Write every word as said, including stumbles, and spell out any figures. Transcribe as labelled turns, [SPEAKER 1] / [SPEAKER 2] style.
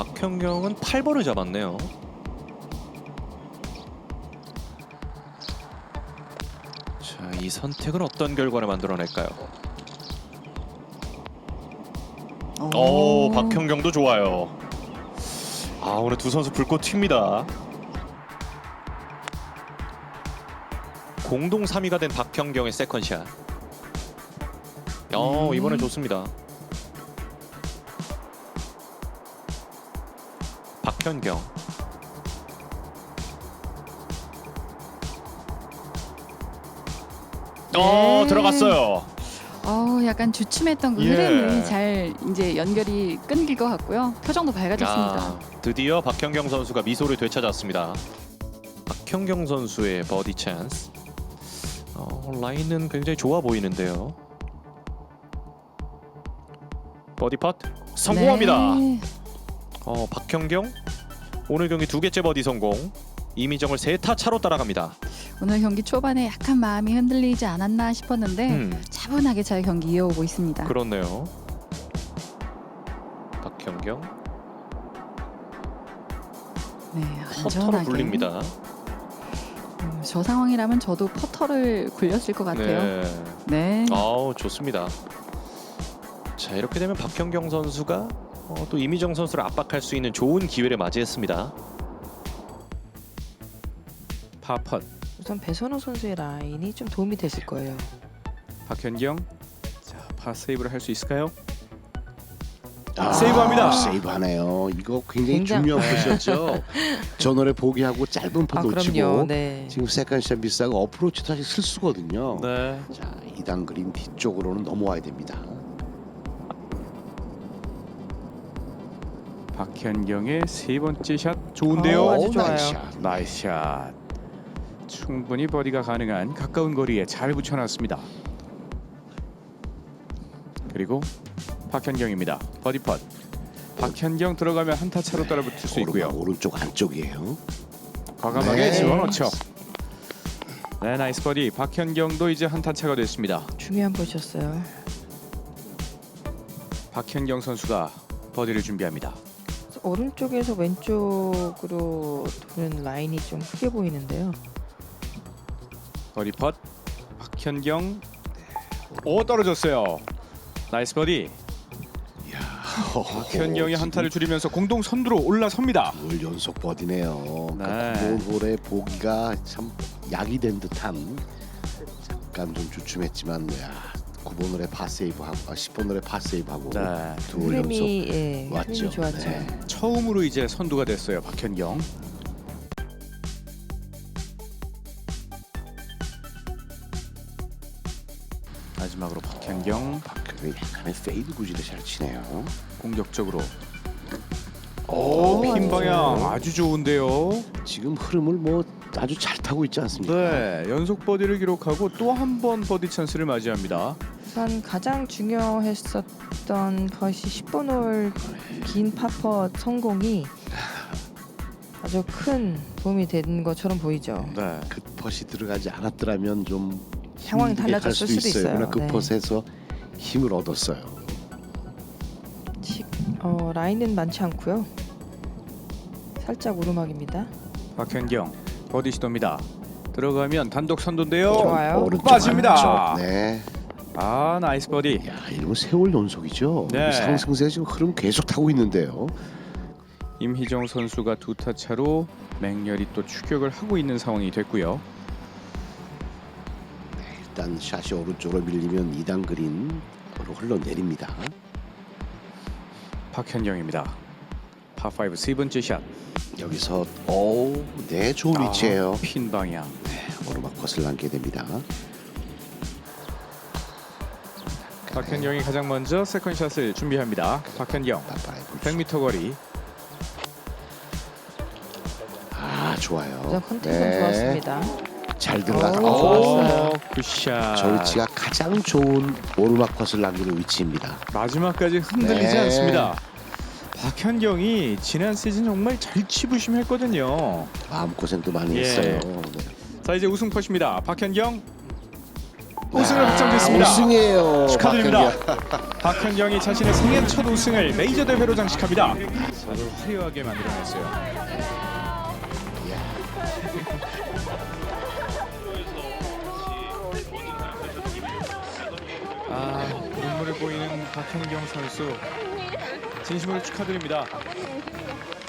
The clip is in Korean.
[SPEAKER 1] 박현경은 팔 번을 잡았네요. 자, 이 선택은 어떤 결과를 만들어낼까요? 오, 오 박현경도 좋아요. 아, 오늘 두 선수 불꽃 튑니다. 공동 삼 위가 된 박현경의 세컨샷. 어,
[SPEAKER 2] 음.
[SPEAKER 1] 이번엔 좋습니다. 박현경. 어,
[SPEAKER 2] 네.
[SPEAKER 1] 들어갔어요.
[SPEAKER 2] 어, 약간 주춤했던 그
[SPEAKER 1] 예.
[SPEAKER 2] 흐름이 잘 이제 연결이 끊길 것 같고요. 표정도 밝아졌습니다.
[SPEAKER 1] 아, 드디어 박현경 선수가 미소를 되찾았습니다. 박현경 선수의 버디 찬스. 어, 라인은 굉장히 좋아 보이는데요. 버디 팟 성공합니다.
[SPEAKER 2] 네.
[SPEAKER 1] 어, 박현경 오늘 경기 두 개째 버디 성공. 이미정을 세 타 차로 따라갑니다.
[SPEAKER 2] 오늘 경기 초반에 약간 마음이 흔들리지 않았나 싶었는데
[SPEAKER 1] 음,
[SPEAKER 2] 차분하게 잘 경기 이어오고 있습니다.
[SPEAKER 1] 그렇네요. 박현경
[SPEAKER 2] 네,
[SPEAKER 1] 퍼터로
[SPEAKER 2] 안전하게.
[SPEAKER 1] 굴립니다.
[SPEAKER 2] 음, 저 상황이라면 저도 퍼터를 굴렸을 것 같아요.
[SPEAKER 1] 네.
[SPEAKER 2] 네.
[SPEAKER 1] 아우, 좋습니다. 자, 이렇게 되면 박현경 선수가 어, 또 이미정 선수를 압박할 수 있는 좋은 기회를 맞이했습니다. 파펫
[SPEAKER 3] 우선 배선호 선수의 라인이 좀 도움이 됐을 거예요.
[SPEAKER 1] 박현경. 자, 파 세이브를 할 수 있을까요?
[SPEAKER 4] 아,
[SPEAKER 1] 세이브합니다.
[SPEAKER 4] 세이브하네요. 이거 굉장히
[SPEAKER 3] 굉장히-
[SPEAKER 4] 중요한 컷이었죠. 전원에 포기하고 짧은 펀
[SPEAKER 3] 아
[SPEAKER 4] 놓치고
[SPEAKER 3] 그럼요. 네.
[SPEAKER 4] 지금 세컨샷 미스하고 어프로치도 사실 실수거든요.
[SPEAKER 1] 네.
[SPEAKER 4] 자, 이 단 그린 뒤쪽으로는 넘어와야 됩니다.
[SPEAKER 5] 박현경의 세 번째 샷 좋은데요.
[SPEAKER 3] 어, 아주
[SPEAKER 4] 오,
[SPEAKER 3] 좋아요.
[SPEAKER 4] 나이스 샷.
[SPEAKER 5] 나이스 샷. 충분히 버디가 가능한 가까운 거리에 잘 붙여놨습니다. 그리고 박현경입니다. 버디 펫. 박현경 들어가면 한타 차로 따라붙을 수 있고요.
[SPEAKER 4] 오른쪽, 오른쪽 안쪽이에요.
[SPEAKER 5] 과감하게
[SPEAKER 4] 네.
[SPEAKER 5] 집어넣죠. 네, 나이스 버디. 박현경도 이제 한타 차가 됐습니다.
[SPEAKER 3] 중요한 것이었어요.
[SPEAKER 5] 박현경 선수가 버디를 준비합니다.
[SPEAKER 3] 오른쪽에서 왼쪽으로 도는 라인이 좀 크게 보이는데요.
[SPEAKER 5] 버디 펫. 박현경. 오, 떨어졌어요. 나이스 버디. 박현경이 한타를 줄이면서 공동 선두로 올라섭니다.
[SPEAKER 4] 둘 연속 버디네요.
[SPEAKER 5] 네.
[SPEAKER 4] 홀홀의 보기가 참 약이 된 듯한. 잠깐 좀 주춤했지만 야, 구 번 홀에 파세이브하고 아, 십 번 홀에 파세이브하고
[SPEAKER 5] 네.
[SPEAKER 4] 두 홀 연속
[SPEAKER 3] 흐름이 예,
[SPEAKER 4] 왔죠.
[SPEAKER 3] 흐름이 좋았죠.
[SPEAKER 4] 네.
[SPEAKER 5] 처음으로 이제 선두가 됐어요. 박현경. 마지막으로 박현경
[SPEAKER 4] 박현경이 약간의 페이드 구질을 잘 치네요.
[SPEAKER 5] 공격적으로.
[SPEAKER 4] 오,
[SPEAKER 5] 오, 핀
[SPEAKER 3] 아주
[SPEAKER 5] 방향
[SPEAKER 3] 좋아요.
[SPEAKER 5] 아주 좋은데요.
[SPEAKER 4] 지금 흐름을 뭐 아주 잘 타고 있지 않습니까?
[SPEAKER 5] 네, 연속 버디를 기록하고 또 한 번 버디 찬스를 맞이합니다.
[SPEAKER 3] 우선 가장 중요했었던 것이 십 번 홀 긴 파펫 성공이 아주 큰 도움이 된 것처럼 보이죠.
[SPEAKER 5] 네.
[SPEAKER 4] 그 펫이 들어가지 않았더라면 좀
[SPEAKER 3] 상황이
[SPEAKER 4] 힘들게 갈
[SPEAKER 3] 달라졌을
[SPEAKER 4] 수도
[SPEAKER 3] 수도 있어요.
[SPEAKER 4] 그러나 그
[SPEAKER 3] 네.
[SPEAKER 4] 펫에서 힘을 얻었어요.
[SPEAKER 3] 치- 어, 라인은 많지 않고요. 살짝 오르막입니다.
[SPEAKER 5] 박현경 버디 시도입니다. 들어가면 단독 선두인데요.
[SPEAKER 3] 좋아요.
[SPEAKER 4] 오른쪽
[SPEAKER 5] 빠집니다.
[SPEAKER 4] 안쪽. 네.
[SPEAKER 5] 아, 나이스 버디.
[SPEAKER 4] 야, 이러면 세월 연속이죠.
[SPEAKER 5] 네.
[SPEAKER 4] 상승세 지금 흐름 계속 타고 있는데요.
[SPEAKER 5] 임희정 선수가 두 타 차로 맹렬히 또 추격을 하고 있는 상황이 됐고요.
[SPEAKER 4] 일단 샷이 오른쪽으로 밀리면 이 단 그린으로 흘러내립니다.
[SPEAKER 5] 박현경입니다. 파오 세 번째 샷.
[SPEAKER 4] 여기서 오, 네, 좋은 위치예요.
[SPEAKER 5] 아, 핀 방향.
[SPEAKER 4] 오르막 컷을 남게 됩니다.
[SPEAKER 5] 박현경이 가장 먼저 세컨샷을 준비합니다. 박현경
[SPEAKER 4] 파파이브.
[SPEAKER 5] 백 미터 거리.
[SPEAKER 4] 아, 좋아요.
[SPEAKER 3] 우선 컨택은 좋았습니다.
[SPEAKER 4] 잘 들어가서
[SPEAKER 3] 오,
[SPEAKER 4] 오,
[SPEAKER 3] 좋았어요.
[SPEAKER 5] 굿샷.
[SPEAKER 4] 저 위치가 가장 좋은 오르막 컷을 남기는 위치입니다.
[SPEAKER 5] 마지막까지 흔들리지
[SPEAKER 4] 네.
[SPEAKER 5] 않습니다. 박현경이 지난 시즌 정말 잘 치부심했거든요.
[SPEAKER 4] 마음고생도 많이
[SPEAKER 5] 예.
[SPEAKER 4] 했어요. 네.
[SPEAKER 5] 자, 이제 우승 컷입니다. 박현경 우승을 확정됐습니다.
[SPEAKER 4] 우승이에요.
[SPEAKER 5] 축하드립니다.
[SPEAKER 4] 박현경.
[SPEAKER 5] 박현경이 자신의 생애 첫 우승을 메이저 대회로 장식합니다. 아주 화려하게 만들어냈어요. 아, 눈물을 보이는 박현경 선수 진심으로 축하드립니다.